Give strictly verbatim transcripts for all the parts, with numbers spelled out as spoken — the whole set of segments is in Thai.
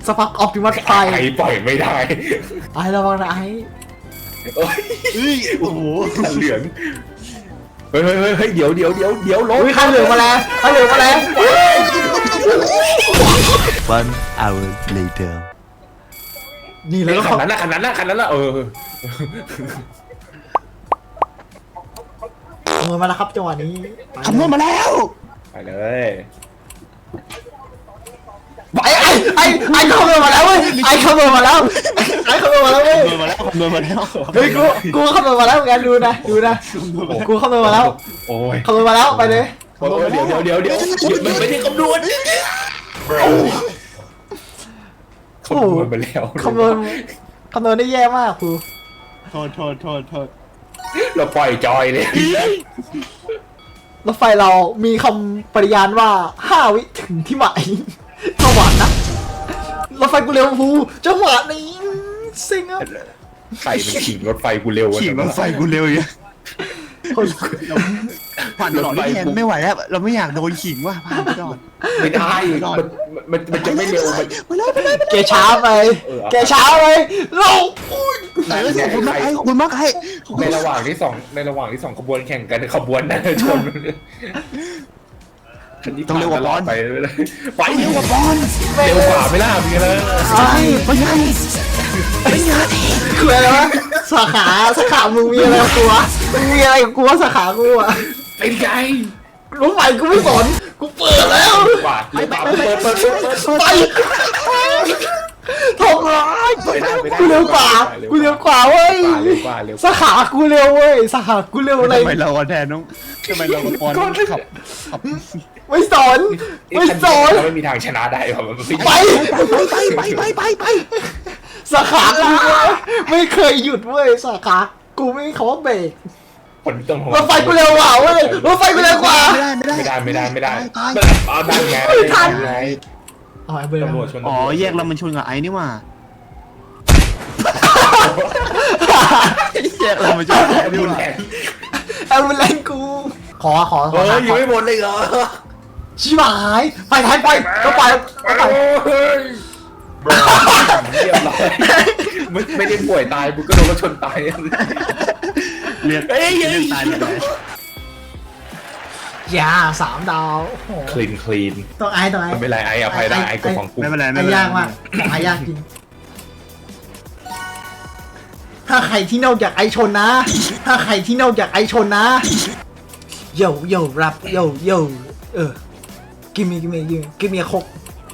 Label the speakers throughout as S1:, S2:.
S1: สปักออปติมัสไฟ
S2: ไอ้ปล่อยไม่ได้
S1: ไอ้ระวังนะไอ้
S2: เอ้ย
S3: เฮ้ยโอ้โห
S2: ขันเหลืองเฮ้ยเฮ้ยเฮ้ยเดี๋ยวเดี๋ยวเดี๋ยวเดี๋ยวลง
S1: อุ้ยข้าเหลืองมาแล้วข้าเหลืองมาแล้ว
S4: One hour later
S1: นี่แล้วก็
S2: ขันนั้นนะขันนั้นนะขันนั้นนะเออ
S1: ขโมยมาแล้วครับจังหวะนี้
S3: คำนวณมาแล้ว
S2: ไปเลย
S1: ไอ้ไอ้ไอ้ไอ้ขโมยมาแล้วเว้ยไอ้ขโมยมาแล้วไอ้ขโมยมาแล้วเว้ย
S3: คำนวณมาแล้วคำนวณมาแล้ว
S1: เฮ้ยกูกูขโมยมาแล้วเหมือนกันดูนะดูนะกูขโมยมาแล้ว
S2: โอ้ย
S1: ขโมยมาแล้วไปเลย
S2: โอ้ยเดี๋ยวเดี๋ยวเดี๋ยวเดี๋ยวมันไม่ได้คำนวณคำนวณไปแล้ว
S1: คำนวณคำนวณได้แย่มากครู
S3: โทษโทษโทษโทษ
S2: เราปล่อยจอยเลย
S1: รถไฟเรามีคำปริยานว่าห้าวิถึงที่หมายจังหวะนะรถไฟกูเร็วครูจังหวะนี้ซิงอ่ะ
S2: ใส่เป็นขิงรถไฟกูเร็ว
S3: ขี่รถไฟกูเร็วอย่าง
S1: คน
S3: ผ่านตลอดแทนไม่ไหวแล้วเราไม่อยากโดนขิงว่ะผ่านไปก่อน
S2: ไม่ได้มันมันมันจะไม่เร็วมัน
S3: ไปเลยไปเลย
S1: แกช้าไปแกช้าไปลง
S3: ไหนก็ขอบคุณมากไอ้ขอบคุณมากไอ้
S2: ในระหว่างที่สองในระหว่างที่สองขบวนแข่งกันขบวนนั้นชนไปเลยไปเร็วกว่าบอลเร็วกว่าไม่ล่ะพี่เลย
S1: ไอ้ไปไงไปไงคืออะไรวะสาขาสาขามึงมีอะไรกับกูวะมึงมีอะไรกับกูวะสาขากูอะ
S2: เป็นไง
S1: รู้ไหมกูไม่สนกูเปิดแล้ว
S2: กว่าเร็วกว่าเปิดเปิดเปิดเปิด
S1: ไปทำร้ายกูเร็วกว่ากูเร็วกว่าเว้ย
S2: เร็วกว่าเร็ว
S1: สาขากูเร็วเว้ยสาขากูเร็วอะไร
S3: ทำไมเราแทนน้องทำไมเราปอนขับขับ
S1: ไม่สนไม่สน
S2: ไม่มีทางชนะได้หรอก
S1: ไป
S3: ไปไปไปไปไป
S1: สาขากูไม่เคยหยุดเว้ยสาขากูไม่มีคำว่าเบรก
S2: คนต้อง
S1: รถไฟกูเร็วกว่าเว้ยรถไฟกูเร็วกว่า
S3: ไม่ได้ไม่ได้
S2: ไม่ได้ไม่ได้ไม่ได้
S3: ตาย
S2: เอาได้ไงไง
S1: อ๋อเบรก
S2: ตำรวจชน
S3: อ๋อแยกเรามันชนกับไอ้นี่ว่าแยกเรามันชนกับไอ้นี่
S2: รุน
S3: ว่า
S2: แรง
S1: แอมบูเลนกูขอขอข
S2: เฮ้
S1: อย
S2: ยังไม่หมดเลยเหรอ
S1: ชิบหายไปไปไปก็ไปก็ไป
S2: เรียบร้อยไม่ไม่ได้ป่วยตายมึงก็โดนรถชนตาย
S3: เรียกเรียกตายเลย
S1: อย่าสามดาวโอ้โห
S2: คลีนคลีน
S1: ต้องไอ้ต้องไอ้
S2: ไม่เป็นไรไอ้อภัยได้ไอ้ก็ของกู
S3: ไม่เป็นไรไม่
S1: ไอ้
S3: เป็นไร
S1: ยากมากไอ้ยากจริงถ้าใครที่นอกจากไอชนนะ ถ้าใครที่นอกจากไอชนนะโยโย่รับโยโย่เออกิมมี่กิมมี่กิมมี่กิมมี่คก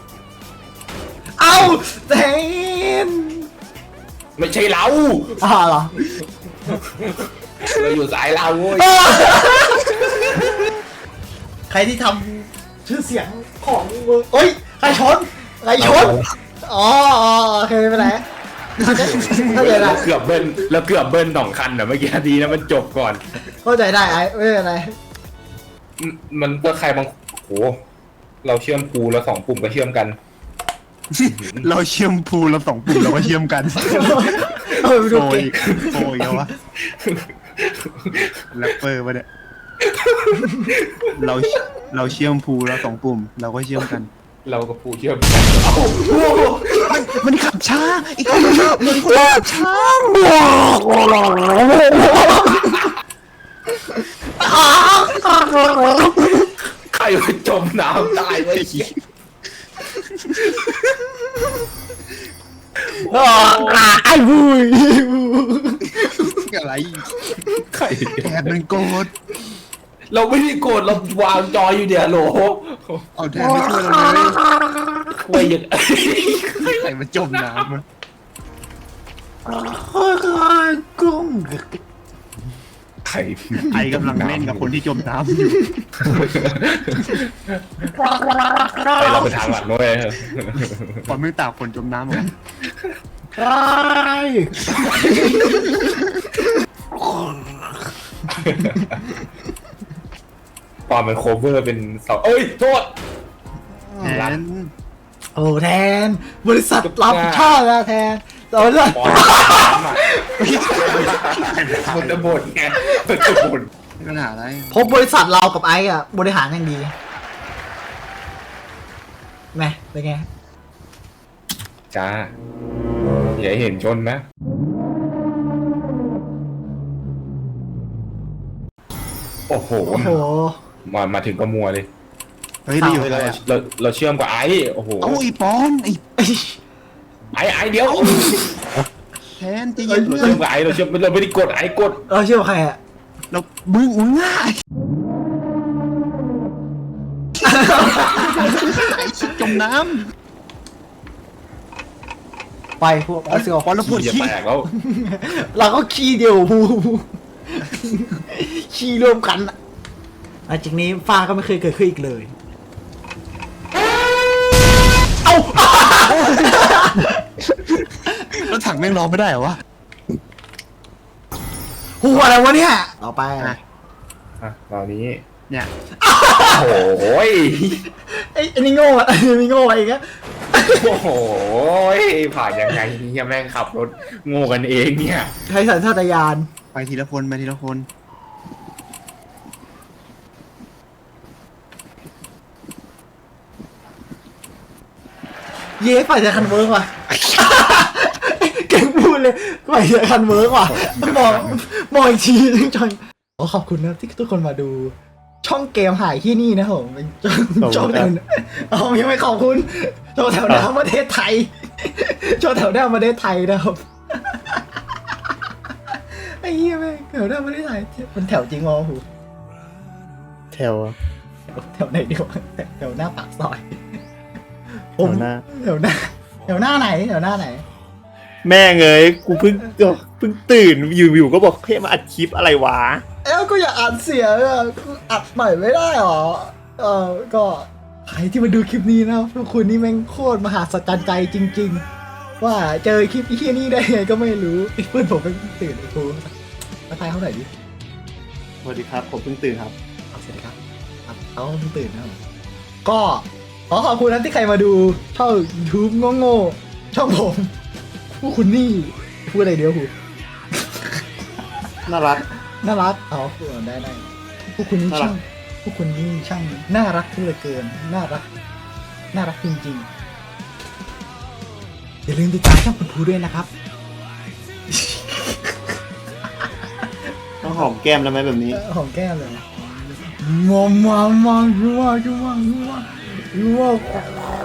S1: เอาเทน
S2: ไม่ใช่เรา
S1: อ่าเหรอ
S2: เราอยู่สายเราเว้ย
S1: ใครที่ทำชื่อเสียงของมึงเอ้ยใครชนใครชนอ๋อโอเคไม่เป็นไรเข้าใจได้
S2: เกือบเบิ้ลแล้วเกือบเบิ้ลสองคันอ่ะเมื่อกี้ดีนะมันจบก่อน
S1: เข้าใจได้ไอ้ไม่เป็นไร
S2: มันก็ใครบางโหเราเชื่อมปูแล้วสองปุ่มก็เชื่อมกัน
S3: เราเชื่อมพูเราสองปุ่มเราก็เชื่อมกัน
S1: เออดู
S3: โอ้
S1: เก่
S3: ย
S1: ง
S3: โอ้ยเอาวะแรปเปอร์ปะเนี่ยเราเราเชื่อมพูเราสองปุ่มเราก็เชื่อมกัน
S2: เรากับปูเชื่อมกันเอ้า
S3: มันมันขับช้าอีกคนมันขับช้า
S2: ใครไปจมน้ำตายไว้ขี้
S1: ไอ้บุย
S3: อะไร
S2: ใคร
S3: แกมันโกรธ
S2: เราไม่ได้โกรธเราวางจออยู่เดี๋ยวโหล
S3: เอาแทนไม่ช่วยเราเลย
S2: ช่วยยัง
S3: ใครมันจมน้ำมัน
S1: กุ้ง
S2: ใคร
S3: ไอกำลังเล่นกับคนที่จมน้ำอยู่
S2: ไปเราไปทางหลังด้วย
S3: ความไม่ต่างคนจมน้ำเหมือนกัน
S1: ไอ้
S2: ตอนมันโคเวอร์เป็นเสาเอ้ยโทษ
S3: แทน
S1: โอ้แทนบริษัทรับผิดชอบแล้วแทนตอนนั้น
S2: บอลน้ำอ่ะมันจะบ่นไงมันจะบ่น
S3: ปัญหาอะไร
S1: พบบริษัทเรากับไอ้อะบริหารอย่างดีแม่เป็นไง
S2: จ้าอย่าให้เห็นชนนะ โอ้โห
S1: โอ้โห
S2: มามาถึงก็มัวเลย
S3: เฮ้ยเราอยู่
S2: เรา
S3: อะไร
S2: เราเราเชื่อมกับไอ้โอ้โห
S3: เอ้าไอ้ปอนไอ้
S2: ไอ้ไอ้เดี๋ยว
S3: แทนใจะเย็น
S2: เรา
S3: เพื่อ
S2: เชื่อน มกับไอ้เราเชื่อมเราไม่ได้กดไอ้กด
S1: เราเชื่อใครอะ
S3: เรามึงมึงง่ายไอ้ชิบจมน้
S1: ไปพวก
S3: ำ
S1: เอาสิ
S3: ปอนเราปวด
S2: จะ
S3: ขี้
S2: แตกแล้ว
S1: เราก็ขี้เดียวพูขี้รวมกันอะหลังจากนี้ฟ้าก็ไม่เคยเกิดขึ้นอีกเลย เอ้า
S3: แล้วถังแม่งรอไม่ได้เหรอวะ
S1: หัวอะไรวะเนี่ย ต่อไป
S3: อ่ะ
S2: อ่ะตอนนี้
S3: เนี่ย
S2: โอ้โหย
S1: ไอ้ไอ้นี่โง่อะไอ้นี่โง่อะไรเงี้ย
S2: โอ้โหยผ่านยังไงเนี่ยแม่งขับรถโง่กันเองเนี่ย
S1: ใช้สัญชาตญาณ
S3: ไปทีละคนไปทีละคน
S1: เย้ฝ่ายจะคันเวิร์กว่ะ เก่งพูดเลยฝ่ายจะคันเวิร์กว่ะมองมองอีกทีนึงจอยขอขอบคุณนะที่ทุกคนมาดู ช่องเกมหายที่นี่นะผมเป็นช่องช่องแถวเอายังไม่ขอบคุณช่องแถวหน้าประเทศไทยช่องแถวหน้าประเทศไทยนะครับไอ้เหี้ยแม่งแถวหน้าประเทศไทยมันแถวจริงวะหู
S5: แถว
S1: แถวไหนดีวะแถวหน้าปากซอย
S5: แถวหน้า
S1: แถวหน้าแถวหน้าไหนแถวหน้าไหน
S5: แม่งเอ้ยกูเพิ่งเพิ่งตื่นอยู่ๆก็บอกเพ่มาอัดคลิปอะไรวะ
S1: เอ้าก็อย่าอัดเสียงอ่ะกูอัดใหม่ไม่ได้หรอเออก็ใครที่มาดูคลิปนี้นะพวกคุณนี่แม่งโคตรมหาสัจจรรย์ใจจริง ๆ ว่าเจอคลิปที่นี่ได้ไงก็ไม่รู้ไอ้เพื่อนผมเป็นตื่นไอ้ครูมาทายเขาหน่อยดิ
S5: สวัสดีครับผมเพิ่งตื่นครับ
S1: เอาเสร็จครับครับเขาเพิ่งตื่นนะครับก็ขอขอบคุณนะที่ใครมาดูช่อง YouTube โง่ๆช่องผมพวกคุณนี่พูดอะไรเดียวหู
S5: น่ารัก
S1: น่ารักเอาพูดได้ได้พวกคุณนี่
S5: น่ารั
S1: ช่าก งพวกคุณนี่ช่างน่ารักเหลือเกินน่ารักน่ารักจริงๆอย่าลืมติดตามช่องคุณภูด้วยนะครับ
S5: ต้องหอมแก้มแล้วไหมแบบนี้
S1: เออหอมแก้มเลยมอมมอมมอมชัวชัวชัวชัวชัว